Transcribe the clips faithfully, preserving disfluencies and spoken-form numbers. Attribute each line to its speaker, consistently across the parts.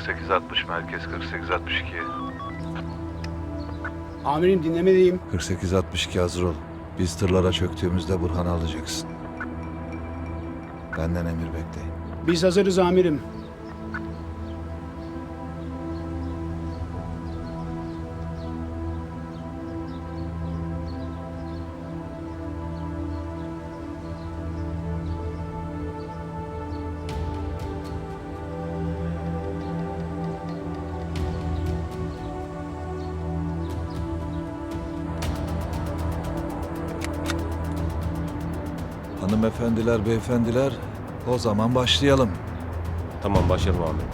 Speaker 1: sekiz altmış merkez kırk sekiz altmış iki.
Speaker 2: Amirim dinlemedeyim.
Speaker 1: kırk sekiz altmış iki hazır ol. Biz tırlara çöktüğümüzde Burhan'ı alacaksın. Benden emir bekleyin.
Speaker 2: Biz hazırız amirim.
Speaker 1: Hanımefendiler, beyefendiler, o zaman başlayalım.
Speaker 3: Tamam başlayalım abi.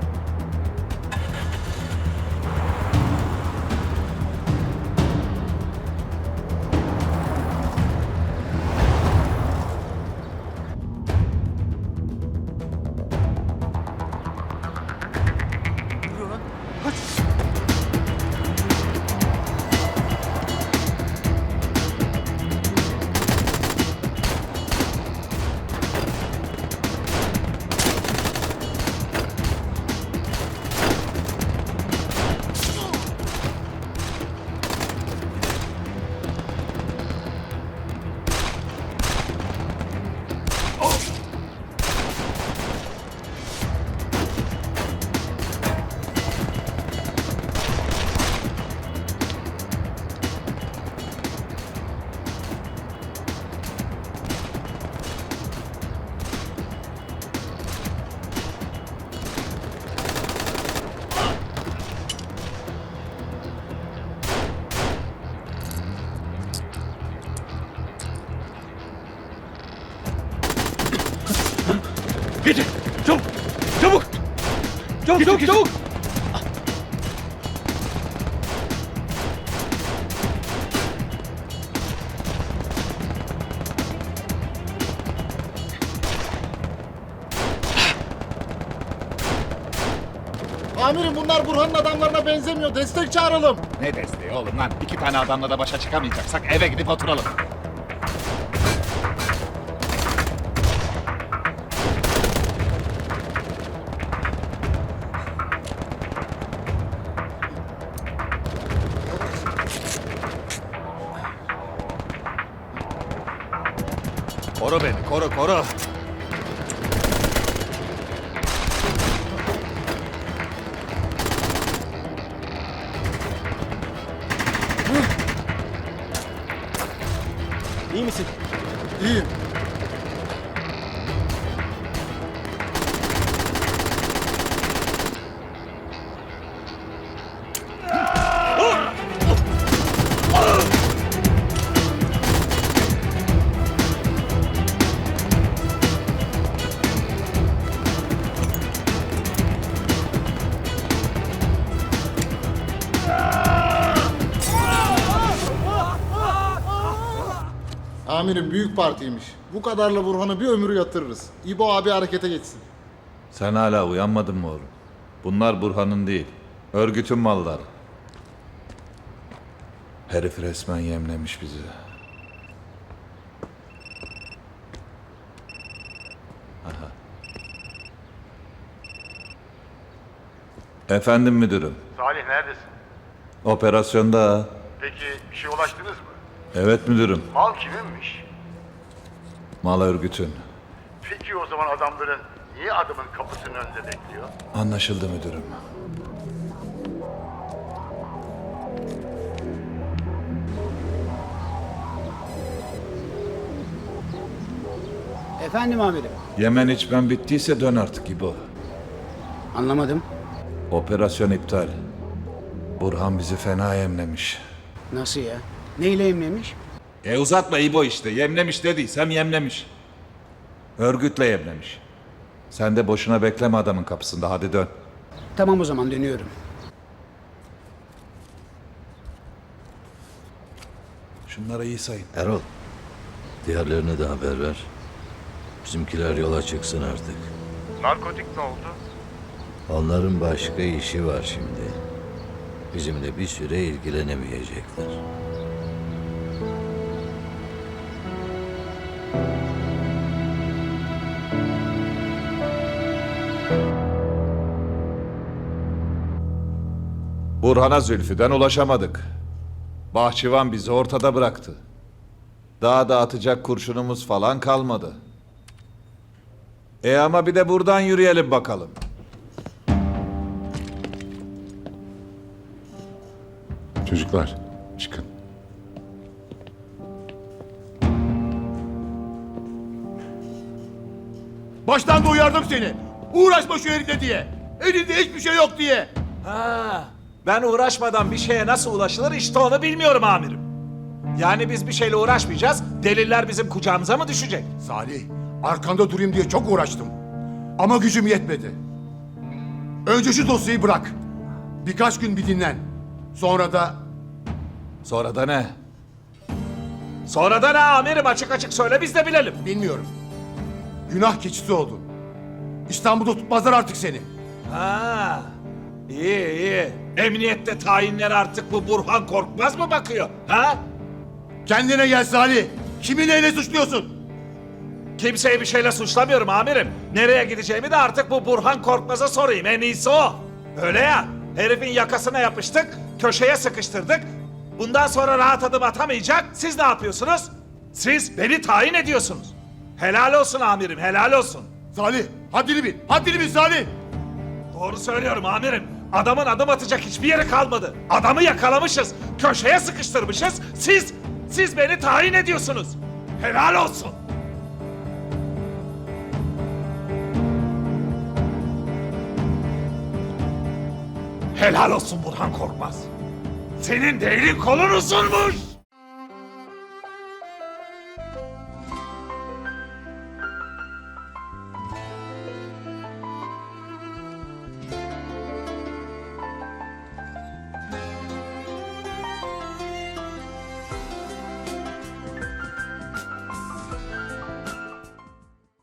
Speaker 4: Geçin! Çabuk! Çabuk! Çabuk çabuk çabuk!
Speaker 5: Amirim bunlar Burhan'ın adamlarına benzemiyor. Destek çağıralım.
Speaker 6: Ne desteği oğlum lan? İki tane adamla da başa çıkamayacaksak eve gidip oturalım. Koru beni, koru, koru.
Speaker 4: İyi misin?
Speaker 5: İyiyim. Amirim büyük partiymiş. Bu kadarla Burhan'ı bir ömür yatırırız. İbo abi harekete geçsin.
Speaker 1: Sen hala uyanmadın mı oğlum? Bunlar Burhan'ın değil, örgütün malları. Herif resmen yemlemiş bizi. Aha. Efendim müdürüm,
Speaker 7: Salih neredesin?
Speaker 1: operasyonda.
Speaker 7: Peki bir şey ulaştınız mı?
Speaker 1: Evet müdürüm,
Speaker 7: Mal kiminmiş?
Speaker 1: mal örgütün.
Speaker 7: Peki o zaman adamların niye adamın kapısının önünde bekliyor?
Speaker 1: Anlaşıldı müdürüm.
Speaker 2: Efendim amirim.
Speaker 1: Yemen içmen bittiyse dön artık İbo.
Speaker 2: Anlamadım.
Speaker 1: Operasyon iptal. Burhan bizi fena yemlemiş.
Speaker 2: Nasıl ya? Neyle emlemiş?
Speaker 1: E uzatma İbo işte. Yemlemiş dediysem yemlemiş. Örgütle yemlemiş. Sen de boşuna bekleme adamın kapısında. Hadi dön.
Speaker 2: Tamam o zaman dönüyorum.
Speaker 1: Şunlara iyi sayın.
Speaker 8: Erol, diğerlerine de haber ver. Bizimkiler yola çıksın artık.
Speaker 7: Narkotik ne oldu?
Speaker 8: Onların başka işi var şimdi. Bizimle bir süre ilgilenemeyecekler.
Speaker 1: Burhan'a Zülfü'den ulaşamadık. Bahçıvan bizi ortada bıraktı. Daha da atacak kurşunumuz falan kalmadı. E ama bir de buradan yürüyelim bakalım.
Speaker 6: Çocuklar çıkın.
Speaker 4: Baştan da uyardım seni. Uğraşma şu herifle diye. Elinde hiçbir şey yok diye.
Speaker 1: Ha, ben uğraşmadan bir şeye nasıl ulaşılır işte onu bilmiyorum amirim. Yani biz bir şeyle uğraşmayacağız, deliller bizim kucağımıza mı düşecek?
Speaker 4: Salih, arkanda durayım diye çok uğraştım. Ama gücüm yetmedi. Önce şu dosyayı bırak. Birkaç gün bir dinlen. Sonra da
Speaker 1: Sonra da ne? Sonra da ne amirim, açık açık söyle biz de bilelim.
Speaker 4: bilmiyorum. Günah keçisi oldun. İstanbul'da tutmazlar artık seni.
Speaker 1: Ha, iyi iyi. Emniyette tayinlere artık bu Burhan Korkmaz mı bakıyor? Ha?
Speaker 4: Kendine gel Salih. Kimi neyle suçluyorsun?
Speaker 1: Kimseyi bir şeyle suçlamıyorum amirim. Nereye gideceğimi de artık bu Burhan Korkmaz'a sorayım. En iyisi o. Öyle ya. Herifin yakasına yapıştık, köşeye sıkıştırdık. Bundan sonra rahat adım atamayacak. Siz ne yapıyorsunuz? Siz beni tayin ediyorsunuz. Helal olsun amirim, helal olsun.
Speaker 4: Salih, haddini bil. Haddini bil Salih.
Speaker 1: Doğru söylüyorum amirim. Adamın adım atacak hiçbir yeri kalmadı. Adamı yakalamışız, köşeye sıkıştırmışız. Siz, siz beni tayin ediyorsunuz. Helal olsun. Helal olsun Burhan Korkmaz. Senin de elin kolun uzunmuş.